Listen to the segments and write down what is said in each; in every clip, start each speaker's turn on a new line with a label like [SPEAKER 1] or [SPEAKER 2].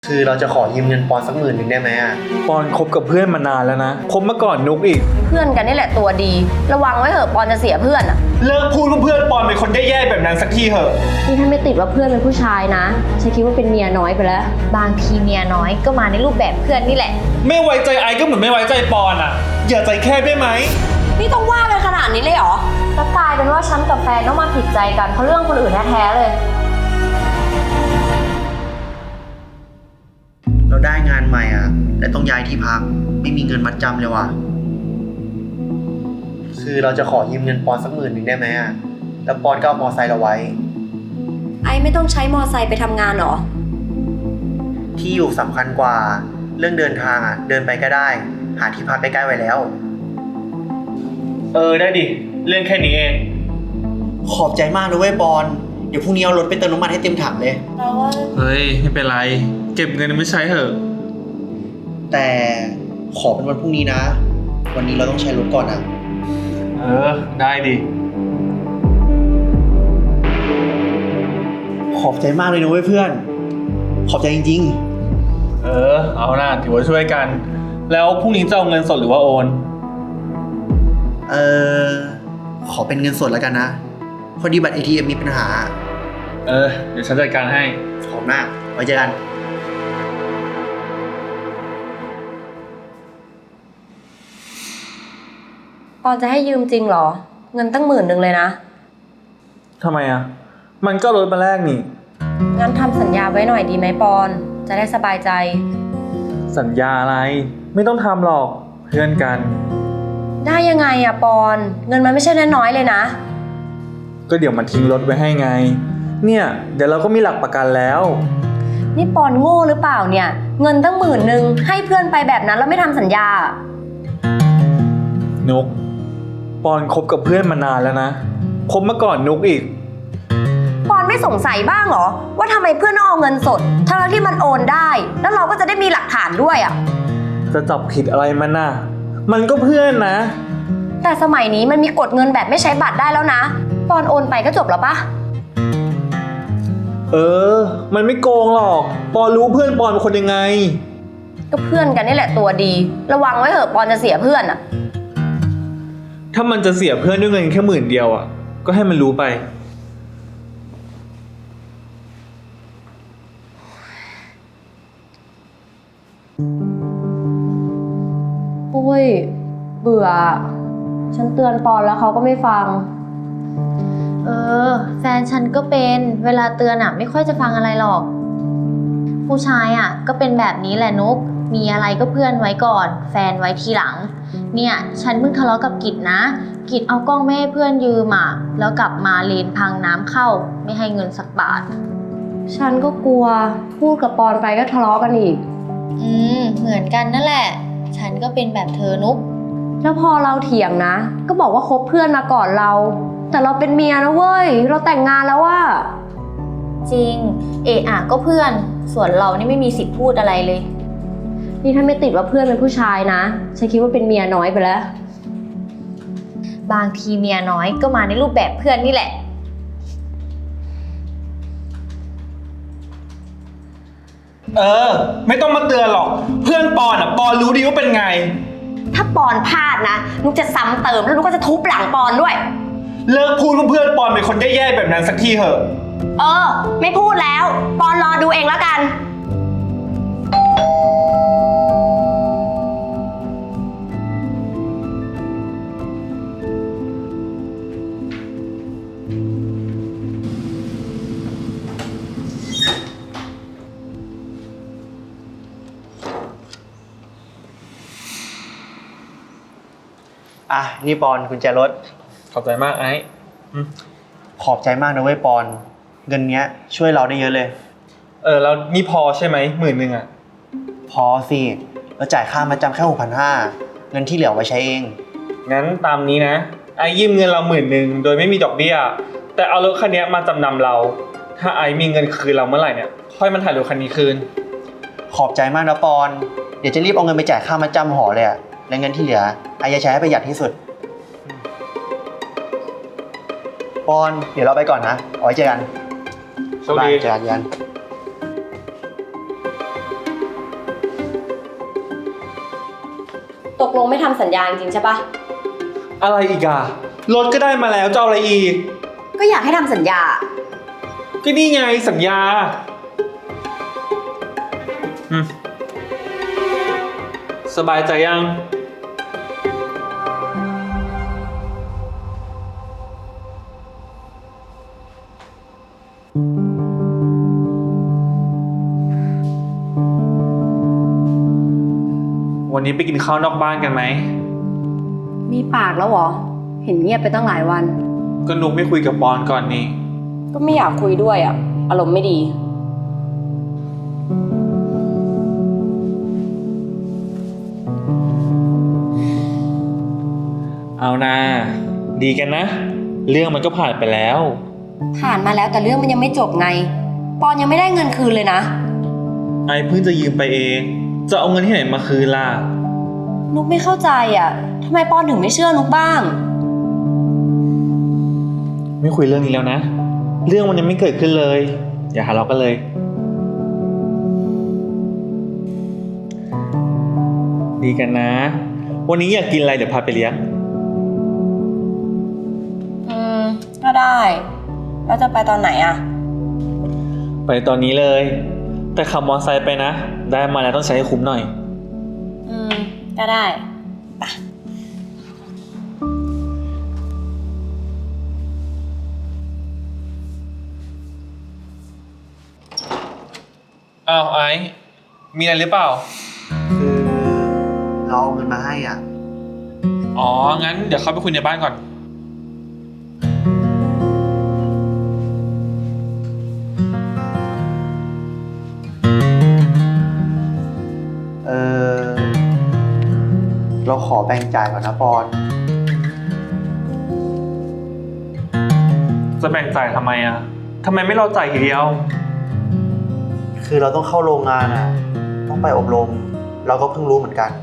[SPEAKER 1] คือเราจะขอยืมเงินปอนสัก10,000ได้ไหมอ่ะ
[SPEAKER 2] ปอนคบกับเพื่อนมานานแล้วนะคบมาก่อนนุกอีก
[SPEAKER 3] เพื่อนกันนี่แหละตัวดี ระวังไว้เถอะปอนจะเสียเพื่อนอ่ะ
[SPEAKER 2] เลิกพูดว่าเพื่อนปอนเป็นคนแย่ๆแบบนั้นสักทีเถอะ
[SPEAKER 4] นี่ถ้าไม่ติดว่าเพื่อนเป็นผู้ชายนะฉันคิดว่าเป็นเมียน้อยไปแล้ว
[SPEAKER 3] บางทีเมียน้อยก็มาในรูปแบบเพื่อนนี่แหละ
[SPEAKER 2] ไม่ไว้ใจไอ้ก็เหมือนไม่ไว้ใจปอนอ่ะอย่าใจแคบได้ไหม
[SPEAKER 3] นี่ต้องว่าไปขนาดนี้เลยเหรอแล้วกลายเป็นว่าฉันกับแฟนต้องมาผิดใจกันเพราะเรื่องคนอื่นแท้ๆเลย
[SPEAKER 1] เราได้งานใหม่อ่ะแต่ต้องย้ายที่พักไม่มีเงินมัดจำเลยว่ะคือเราจะขอยืมเงินปอนสัก10,000ได้ไหมอ่ะแล้วปอนก็เอามอไซค์เราไว้
[SPEAKER 3] ไอ้ไม่ต้องใช้มอไซค์ไปทำงานหรอ
[SPEAKER 1] ที่อยู่สำคัญกว่าเรื่องเดินทางอ่ะเดินไปก็ได้หาที่พักใกล้ๆไว้แล้ว
[SPEAKER 2] ได้ดิเรื่องแค่นี้เอง
[SPEAKER 1] ขอบใจมากนะเว้ยปอนเดี๋ยวพรุ่งนี้เอารถไปเติมน้ำมันให้เต็มถังเลย
[SPEAKER 2] เฮ้ยไม่เป็นไรเก็บเงินไม่ใช้เถอะ
[SPEAKER 1] แต่ขอเป็นวันพรุ่งนี้นะวันนี้เราต้องใช้รถก่อนอ่ะ
[SPEAKER 2] ได้ดิ
[SPEAKER 1] ขอบใจมากเลยนะเว้ยเพื่อนขอบใจจริง
[SPEAKER 2] ๆเอาหน้าถือว่าช่วยกันแล้วพรุ่งนี้จะเอาเงินสดหรือว่าโอน
[SPEAKER 1] ขอเป็นเงินสดแล้วกันนะพอดีบัตร ATM มีปัญหา
[SPEAKER 2] เดี๋ยวฉันจัดการให้
[SPEAKER 1] ขอบมากไว้เจอกัน
[SPEAKER 3] ปอนจะให้ยืมจริงเหรอเงินตั้ง10,000เลยนะ
[SPEAKER 2] ทำไมอ่ะมันก็ลดมาแรกนี่
[SPEAKER 3] งั้นทำสัญญาไว้หน่อยดีไหมปอนจะได้สบายใจ
[SPEAKER 2] สัญญาอะไรไม่ต้องทำหรอกเพื่อนกัน
[SPEAKER 3] ได้ยังไงอะปอนเงินมันไม่ใช่น้อยๆเลยนะ
[SPEAKER 2] ก็เดี๋ยวมันทิ้งรถไว้ให้ไงเนี่ยเดี๋ยวเราก็มีหลักประกันแล้ว
[SPEAKER 3] นี่ปอนโง่หรือเปล่าเนี่ยเงินตั้ง10,000ให้เพื่อนไปแบบนั้นแล้วไม่ทำสัญญา
[SPEAKER 2] นุกปอนคบกับเพื่อนมานานแล้วนะคบมาก่อนนุกอีก
[SPEAKER 3] ปอนไม่สงสัยบ้างเหรอว่าทำไมเพื่อนต้องเอาเงินสดทั้งที่มันโอนได้แล้วเราก็จะได้มีหลักฐานด้วยอะ
[SPEAKER 2] จะจับผิดอะไรมันน่ะมันก็เพื่อนนะ
[SPEAKER 3] แต่สมัยนี้มันมีกดเงินแบบไม่ใช้บัตรได้แล้วนะปอนโอนไปก็จบแล้วปะ
[SPEAKER 2] มันไม่โกงหรอกปอนรู้เพื่อนปอนเป็นคนยังไง
[SPEAKER 3] ก็เพื่อนกันนี่แหละตัวดีระวังไว้เถอะปอนจะเสียเพื่อนอะ
[SPEAKER 2] ถ้ามันจะเสียเพื่อนด้วยเงินแค่10,000อ่ะก็ให้มันรู้ไป
[SPEAKER 4] โอ้ยเบื่อฉันเตือนปอนแล้วเขาก็ไม่ฟัง
[SPEAKER 5] แฟนฉันก็เป็นเวลาเตือนไม่ค่อยจะฟังอะไรหรอกผู้ชายก็เป็นแบบนี้แหละนุกมีอะไรก็เพื่อนไว้ก่อนแฟนไว้ทีหลังเนี่ยฉันเพิ่งทะเลาะกับกิจนะกิจเอากล้องไม่ให้เพื่อนยืมแล้วกลับมาเลนพังน้ำเข้าไม่ให้เงินสักบาท
[SPEAKER 4] ฉันก็กลัวพูดกับปอนไปก็ทะเลาะกันอีก
[SPEAKER 5] เหมือนกันนั่นแหละฉันก็เป็นแบบเธอนุก
[SPEAKER 4] แล้วพอเราเถียงนะก็บอกว่าคบเพื่อนมาก่อนเราแต่เราเป็นเมียนะเว้ยเราแต่งงานแล้วว่า
[SPEAKER 5] จริงก็เพื่อนส่วนเรานี่ไม่มีสิทธิ์พูดอะไรเลย
[SPEAKER 4] นี่ถ้าไม่ติดว่าเพื่อนเป็นผู้ชายนะฉันคิดว่าเป็นเมียน้อยไปแล้ว
[SPEAKER 3] บางทีเมียน้อยก็มาในรูปแบบเพื่อนนี่แหละ
[SPEAKER 2] ไม่ต้องมาเตือนหรอกเพื่อนปอนปอนรู้ดีว่าเป็นไง
[SPEAKER 3] ถ้าปอนพลาดนะนุกจะซ้ำเติมแล้วนุกก็จะทุบหลังปอนด้วย
[SPEAKER 2] เลิกพูดว่าเพื่อนปอนเป็นคนแย่ๆแบบนั้นสักทีเถอะ
[SPEAKER 3] ไม่พูดแล้วปอนรอดูเองแล้วกัน
[SPEAKER 1] นี่ปอนกุญแจรถ
[SPEAKER 2] ขอบใจมากไอ้
[SPEAKER 1] ขอบใจมากนะเว้ยปอนเงินเนี้ยช่วยเราได้เยอะเลย
[SPEAKER 2] แล้วนี่พอใช่ไหม10,000อ่ะ
[SPEAKER 1] พอสิเราจ่ายค่ามาจำแค่6,500เงินที่เหลือไว้ใช้เอง
[SPEAKER 2] งั้นตามนี้นะไอ้ยืมเงินเรา10,000โดยไม่มีดอกเบี้ยแต่เอารถคันนี้มาจำนำเราถ้าไอ้มีเงินคืนเราเมื่อไหร่เนี่ยค่อยมาถ่ายรถคันนี้คืน
[SPEAKER 1] ขอบใจมากนะปอนเดี๋ยวจะรีบเอาเงินไปจ่ายค่ามาจำหอเลยอะและเงินที่เหลือไอ้จะใช้ให้ประหยัดที่สุดปอนเดี๋ยวเราไปก่อนนะเอาไว้เจอกัน
[SPEAKER 2] โชคดี
[SPEAKER 1] เจอกัน
[SPEAKER 4] ตกลงไม่ทำสัญญาจริงๆใช่ปะ
[SPEAKER 2] อะไรอีกอะรถก็ได้มาแล้วจะเอาอะไรอีก
[SPEAKER 3] ก็อยากให้ทำสัญญา
[SPEAKER 2] ก็นี่ไงสัญญาสบายใจยัง วันนี้ไปกินข้าวนอกบ้านกันไหม
[SPEAKER 4] มีปากแล้วเหรอ เห็นเงียบไปตั้งหลายวัน
[SPEAKER 2] ก็นุกไม่คุยกับปอนก่อนนี่
[SPEAKER 4] ก็ไม่อยากคุยด้วยอ่ะ อารมณ์ไม่ดี
[SPEAKER 2] เอานะดีกันนะ เรื่องมันก็ผ่านไปแล้ว
[SPEAKER 3] ผ่านมาแล้วแต่เรื่องมันยังไม่จบไง ปอนยังไม่ได้เงินคืนเลยนะ
[SPEAKER 2] ไอเพิ่งจะยืมไปเอง จะเอาเงินที่ไหนมาคืนล่ะ
[SPEAKER 3] นุกไม่เข้าใจอ่ะทำไมปอนถึงไม่เชื่อนุกบ้าง
[SPEAKER 2] ไม่คุยเรื่องนี้แล้วนะ เรื่องมันยังไม่เกิดขึ้นเลย อย่าทะเลาะกันเลย ดีกันนะ วันนี้อยากกินอะไรเดี๋ยวพาไปเลี้ยง
[SPEAKER 3] ก็ได้แล้วจะไปตอนไหนอ่ะ
[SPEAKER 2] ไปตอนนี้เลย แต่ขับมอเตอร์ไซค์ไปนะ ได้มาแล้วต้องใช้ให้คุ้มหน่อย
[SPEAKER 3] ก็ได้
[SPEAKER 2] อ้าวไอซ์มีอะไรหรือเปล่า
[SPEAKER 1] คือเราเอาเงินมาให้อ่ะ
[SPEAKER 2] อ๋อ งั้นเดี๋ยวเข้าไปคุยในบ้านก่อน
[SPEAKER 1] เออเราขอแบ่งจ่ายก่อนนะปอน
[SPEAKER 2] จะแบ่งจ่ายทำไมอ่ะทำไมไม่รอจ่ายทีเดียว
[SPEAKER 1] คือเราต้องเข้าโรงงานอ่ะ ต้องไปอบรม เราก็เพิ่งรู้เหมือนกัน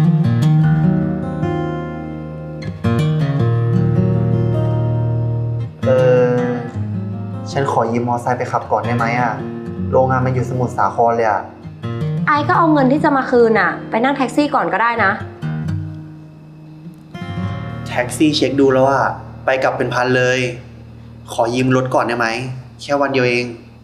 [SPEAKER 1] เออฉันขอยืมมอไซค์ไปขับก่อนได้ไหมอ่ะ โรงงานมันอยู่สมุทรสาครเลยอ่ะ
[SPEAKER 4] ไอก็เอาเงินที่จะมาคืนอ่ะ ไปนั่งแท็กซี่ก่อนก็ได้นะ
[SPEAKER 1] แท็กซี่เช็คดูแล้วอ่ะ ไปกลับเป็นพันเลย ขอยืมรถก่อนได้ไหม แค่วันเดียวเอง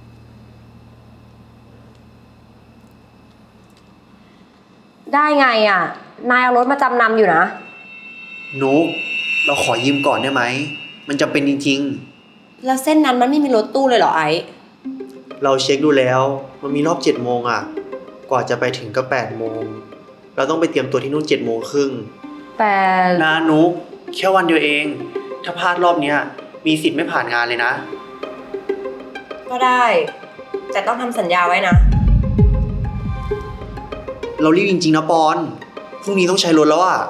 [SPEAKER 4] ได้ไงอ่ะ นายเอารถมาจำนำอยู่นะ
[SPEAKER 1] นุกเราขอยืมก่อนได้ไหม มันจำเป็นจริง
[SPEAKER 3] แล้วเส้นนั้นมันไม่มีรถตู้เลยเหรอไอ้
[SPEAKER 1] ๆ เราเช็คดูแล้ว มันมีรอบ7 โมงอ่ะ กว่าจะไปถึงก็8 โมง เราต้องไปเตรียมตัวที่นู่น7 โมงครึ่ง
[SPEAKER 4] แต่
[SPEAKER 1] นะนุกแค่วันเดียวเอง ถ้าพลาดรอบเนี้ย มีสิทธิ์ไม่ผ่านงานเลยนะ
[SPEAKER 3] ก็ได้ แต่ต้องทำสัญญาไว้นะ
[SPEAKER 1] เรารีบจริงๆนะปอน พรุ่งนี้ต้องใช้รถแล้วอ่ะ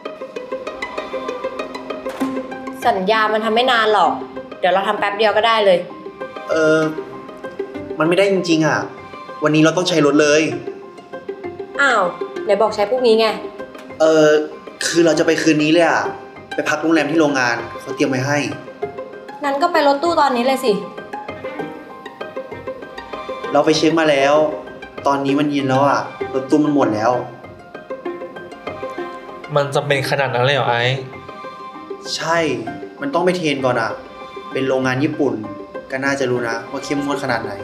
[SPEAKER 3] สัญญามันทำไม่นานหรอก เดี๋ยวเราทำแป๊บเดียวก็ได้เลย
[SPEAKER 1] เออ มันไม่ได้จริงๆอ่ะ วันนี้เราต้องใช้รถเลย
[SPEAKER 3] อ้าวไหนบอกใช้พรุ่งนี้ไง
[SPEAKER 1] เออ คือเราจะไปคืนนี้เลยอ่ะ ไปพักโรงแรมที่โรงงานเขาเตรียมไว้ให้
[SPEAKER 3] นั้นก็ไปรถตู้ตอนนี้เลยสิ
[SPEAKER 1] เราไปเช็คมาแล้ว ตอนนี้มันเย็นแล้วอ่ะ รถตู้มันหมดแล้ว
[SPEAKER 2] มันจำเป็นขนาดนั้นเลยเหรอไอซ์
[SPEAKER 1] ใช่ มันต้องไปเทรนก่อนอ่ะ เป็นโรงงานญี่ปุ่น ก็น่าจะรู้นะว่าเข้มงวดขนาดไหน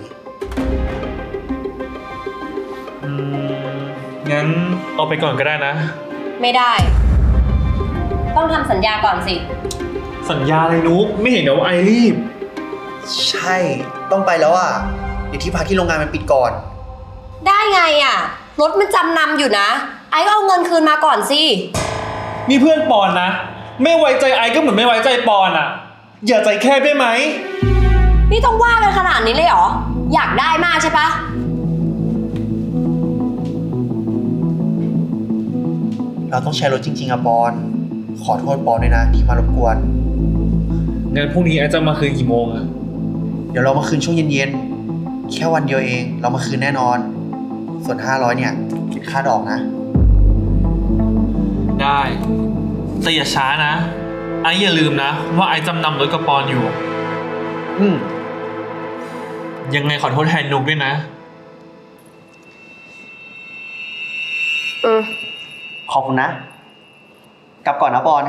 [SPEAKER 2] งั้นเอาไปก่อนก็ได้นะ
[SPEAKER 3] ไม่ได้ ต้องทำสัญญาก่อนสิ
[SPEAKER 2] สัญญาอะไรนุกไม่เห็นเหรอว่าไอรีบ
[SPEAKER 1] ใช่ ต้องไปแล้วอ่ะ เดี๋ยวที่พักที่โรงงานมันปิดก่อน
[SPEAKER 3] ได้ไงอ่ะ รถมันจำนำอยู่นะ ไอ้ก็เอาเงินคืนมาก่อนสิ
[SPEAKER 2] นี่เพื่อนปอนนะ ไม่ไว้ใจไอก็เหมือนไม่ไว้ใจปอนอ่ะ อย่าใจแคบได้ไหม
[SPEAKER 3] นี่ต้องว่ากันขนาดนี้เลยเหรอ อยากได้มากใช่ปะ
[SPEAKER 1] เราต้องใช้รถจริงๆอะปอน ขอโทษปอนด้วยนะที่มารบกวน
[SPEAKER 2] งั้นพรุ่งนี้ไอจะมาคืนกี่โมงอะ
[SPEAKER 1] เดี๋ยวเรามาคืนช่วงเย็นๆ แค่วันเดียวเอง เรามาคืนแน่นอน ส่วน500เนี่ยคิดค่าดอกนะ
[SPEAKER 2] ได้แต่อย่าช้านะ ไออย่าลืมนะ ว่าไอจำนำรถกับปอนอยู่ ยังไงขอโทษแทนนุกด้วยนะ
[SPEAKER 1] ขอบคุณนะกลับก่อนนะปอน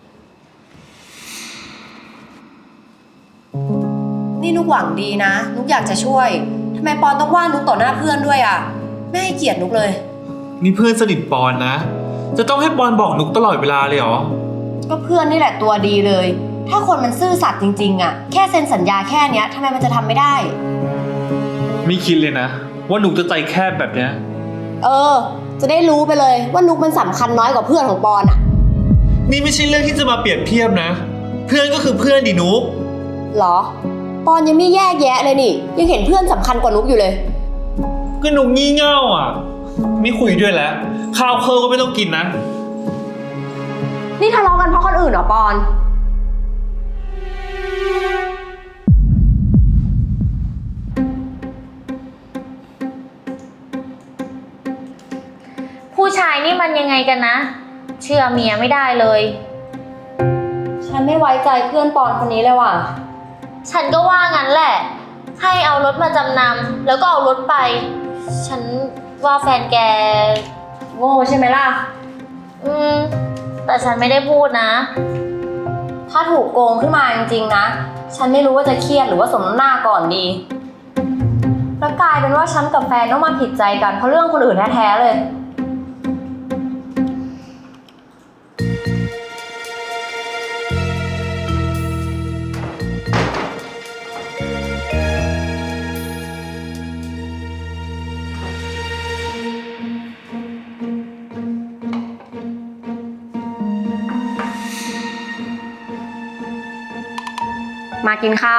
[SPEAKER 3] นี่นุกหวังดีนะ นุกอยากจะช่วยทำไมปอนต้องว่านุกต่อหน้าเพื่อนด้วยอ่ะไม่ให้เกียรตินุกเลย
[SPEAKER 2] นี่เพื่อนสนิทปอนนะ จะต้องให้ปอนบอกนุกตลอดเวลาเลยเหรอ
[SPEAKER 3] ก็เพื่อนนี่แหละตัวดีเลย ถ้าคนมันซื่อสัตย์จริงๆอ่ะแค่เซ็นสัญญาแค่เนี้ยทำไมมันจะทำไม่ได้
[SPEAKER 2] ไม่คิดเลยนะ ว่านุกจะใจแคบแบบเนี้ย
[SPEAKER 3] จะได้รู้ไปเลยว่านุกมันสำคัญน้อยกว่าเพื่อนของปอนอ่ะ
[SPEAKER 2] นี่ไม่ใช่เรื่องที่จะมาเปรียบเทียบนะ เพื่อนก็คือเพื่อนดินุก
[SPEAKER 3] หรอ ปอนยังไม่แยกแยะเลยนี่ ยังเห็นเพื่อนสำคัญกว่านุกอยู่เลย
[SPEAKER 2] ก็นุกงี่เง่าอ่ะ ไม่คุยด้วยแล้ว ข้าวเคอก็ไม่ต้องกินนะ
[SPEAKER 3] นี่ทะเลาะกันเพราะคนอื่นเหรอปอน
[SPEAKER 5] ผู้ชายนี่มันยังไงกันนะ เชื่อเมียไม่ได้เลย
[SPEAKER 3] ฉันไม่ไว้ใจเพื่อนปอนคนนี้เลยว่ะ
[SPEAKER 5] ฉันก็ว่างั้นแหละ ให้เอารถมาจำนำแล้วก็เอารถไป ฉันว่าแฟนแก
[SPEAKER 3] โง่ใช่ไหมล่ะ
[SPEAKER 5] แต่ฉันไม่ได้พูดนะ
[SPEAKER 3] ถ้าถูกโกงขึ้นมาจริงๆนะ ฉันไม่รู้ว่าจะเครียดหรือว่าสมน้ำหน้าก่อนดี แล้วกลายเป็นว่าฉันกับแฟนต้องมาผิดใจกันเพราะเรื่องคนอื่นแท้ๆเลย มากินข้าว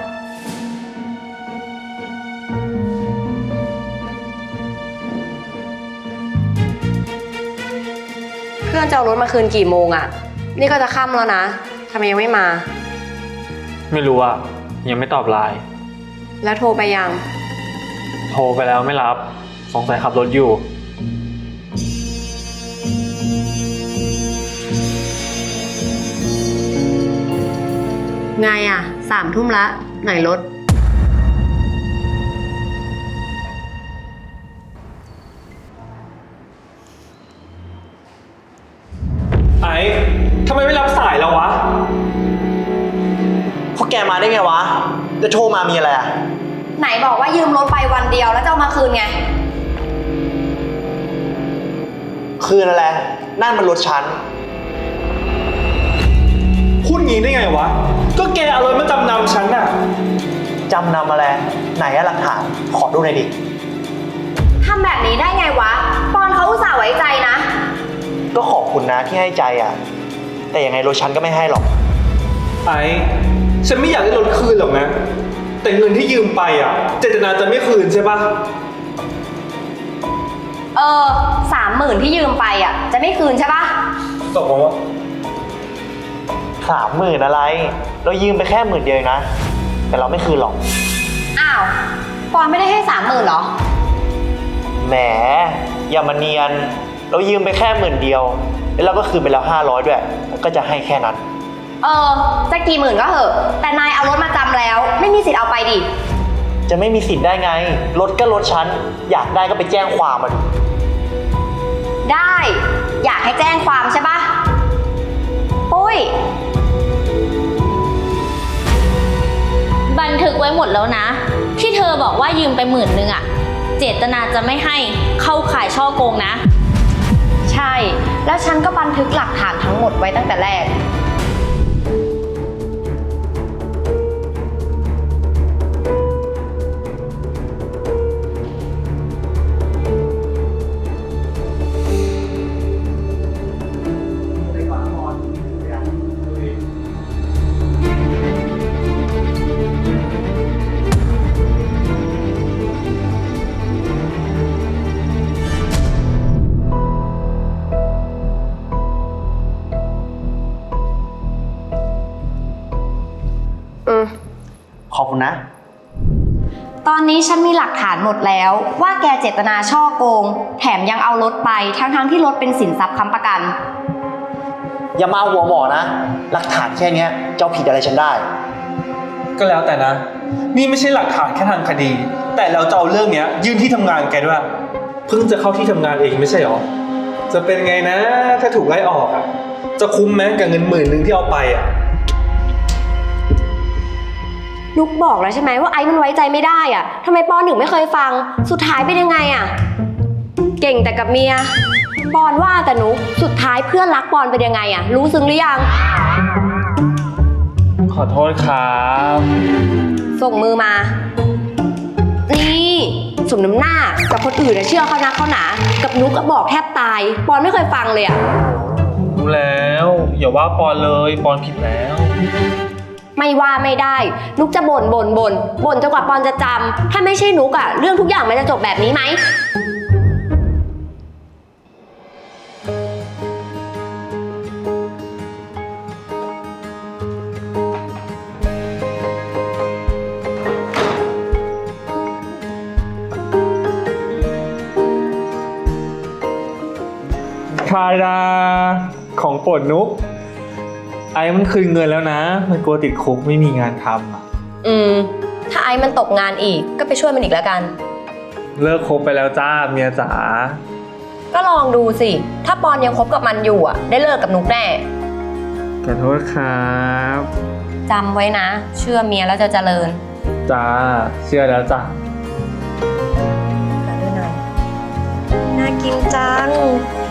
[SPEAKER 3] เพื่อนจะเอารถมาคืนกี่โมงอะนี่ก็จะค่ำแล้วนะทำไมยังไม่มา
[SPEAKER 2] ไม่รู้อ่ะ ยังไม่ตอบไลน์
[SPEAKER 3] แล้วโทรไปยัง
[SPEAKER 2] โทรไปแล้วไม่รับ สงสัยขับรถอยู่
[SPEAKER 3] ไงอะ3 ทุ่มละไหนรถ
[SPEAKER 2] ไอ้ทำไมไม่รับสายแล้ววะ
[SPEAKER 1] พวกแกมาได้ไงวะ จะโทรมามีอะไรอ่ะ
[SPEAKER 3] ไหนบอกว่ายืมรถไปวันเดียวแล้วจะเอามาคืนไง
[SPEAKER 1] คืนอะไร นั่นมันรถฉัน
[SPEAKER 2] พูดงี้ได้ไงวะ ก็แกเอารถมาจำนำฉันน่ะ
[SPEAKER 1] จำนำอะไร ไหนอะหลักฐาน ขอดูหน่อยดิ
[SPEAKER 3] ทำแบบนี้ได้ไงวะ ปอนเขาอุตส่าห์ไว้ใจนะ
[SPEAKER 1] ก็ขอบคุณนะที่ให้ใจอ่ะ แต่ยังไงรถฉันก็ไม่ให้หรอก
[SPEAKER 2] ไอ้ฉันไม่อยากได้รถคืนหรอกนะ แต่เงินที่ยืมไปอ่ะ เจตนาจะไม่คืนใช่ปะ
[SPEAKER 3] 30,000ที่ยืมไปอะจะไม่คืนใช่ปะ
[SPEAKER 2] ตกลงว่า
[SPEAKER 1] 30,000อะไร เรายืมไปแค่10,000เดียวเองนะ แต่เราไม่คืนหรอก
[SPEAKER 3] อ้าว ปอนไม่ได้ให้30,000เหรอ
[SPEAKER 1] แหม อย่ามาเนียน เรายืมไปแค่10,000เดียว แล้วเราก็คืนไปแล้ว500ด้วย ก็จะให้แค่นั้น
[SPEAKER 3] จะกี่หมื่นก็เหอะ แต่นายเอารถมาจำแล้ว ไม่มีสิทธิ์เอาไปดิ
[SPEAKER 1] จะไม่มีสิทธิ์ได้ไง รถก็รถฉัน อยากได้ก็ไปแจ้งความมาดิ
[SPEAKER 3] ได้ อยากให้แจ้งความใช่ปะปุ้ย
[SPEAKER 5] บันทึกไว้หมดแล้วนะ ที่เธอบอกว่ายืมไป10,000อะเจตนาจะไม่ให้เข้าข่ายช่อโกงนะ
[SPEAKER 3] ใช่ แล้วฉันก็บันทึกหลักฐานทั้งหมดไว้ตั้งแต่แรก
[SPEAKER 1] ขอบคุณนะ
[SPEAKER 3] ตอนนี้ฉันมีหลักฐานหมดแล้วว่าแกเจตนาช่อโกง แถมยังเอารถไปทั้งที่รถเป็นสินทรัพย์ค้ำประกัน
[SPEAKER 1] อย่ามาหัวหมอนะ หลักฐานแค่เนี้ยเจ้าผิดอะไรฉันได้
[SPEAKER 2] ก็แล้วแต่นะ นี่ไม่ใช่หลักฐานแค่ทางคดี แต่เราจะเอาเรื่องเนี้ยยื่นที่ทำงานแกด้วย เพิ่งจะเข้าที่ทำงานเองไม่ใช่หรอ จะเป็นไงนะ ถ้าถูกไล่ออกอ่ะ จจะคุ้มไหมกับเงิน10,000ที่เอาไปอ่ะ
[SPEAKER 4] นุกบอกแล้วใช่ไหมว่าไอ้มันไว้ใจไม่ได้อะทำไมปอนถึงไม่เคยฟัง สุดท้ายเป็นยังไงอะเก่งแต่กับเมีย ปอนว่าแต่นุกสุดท้ายเพื่อนรักปอนเป็นยังไงอะรู้ซึ้งหรือยัง
[SPEAKER 2] ขอโทษครับ
[SPEAKER 4] ส่งมือมา นี่สมน้ำหน้ากับคนอื่นเชื่อเขานะเขาหนากับนุกก็บอกแทบตาย ปอนไม่เคยฟังเลยอะ
[SPEAKER 2] รู้แล้ว อย่าว่าปอนเลยปอนผิดแล้ว
[SPEAKER 4] ไม่ว่าไม่ได้ นุกจะบ่นจนกว่าปอนจะจำถ้าไม่ใช่นุกอะเรื่องทุกอย่างมันจะจบแบบนี้ไหม
[SPEAKER 2] ทาดาของโปรดนุก ไอ้มันคืนเงินแล้วนะ มันกลัวติดคุกไม่มีงานทำอ่ะ
[SPEAKER 3] ถ้าไอ้มันตกงานอีกก็ไปช่วยมันอีกแล้วกัน
[SPEAKER 2] เลิกคบไปแล้วจ้าเมียจ๋า
[SPEAKER 3] ก็ลองดูสิ ถ้าปอนยังคบกับมันอยู่อ่ะ ได้เลิกกับนุกแน่
[SPEAKER 2] ขอโทษครับ
[SPEAKER 3] จำไว้นะ เชื่อเมียแล้วจะเจริญ
[SPEAKER 2] จ้าเชื่อแล้วจ้ะ
[SPEAKER 3] กันด้วยหน่อย
[SPEAKER 4] น่ากินจัง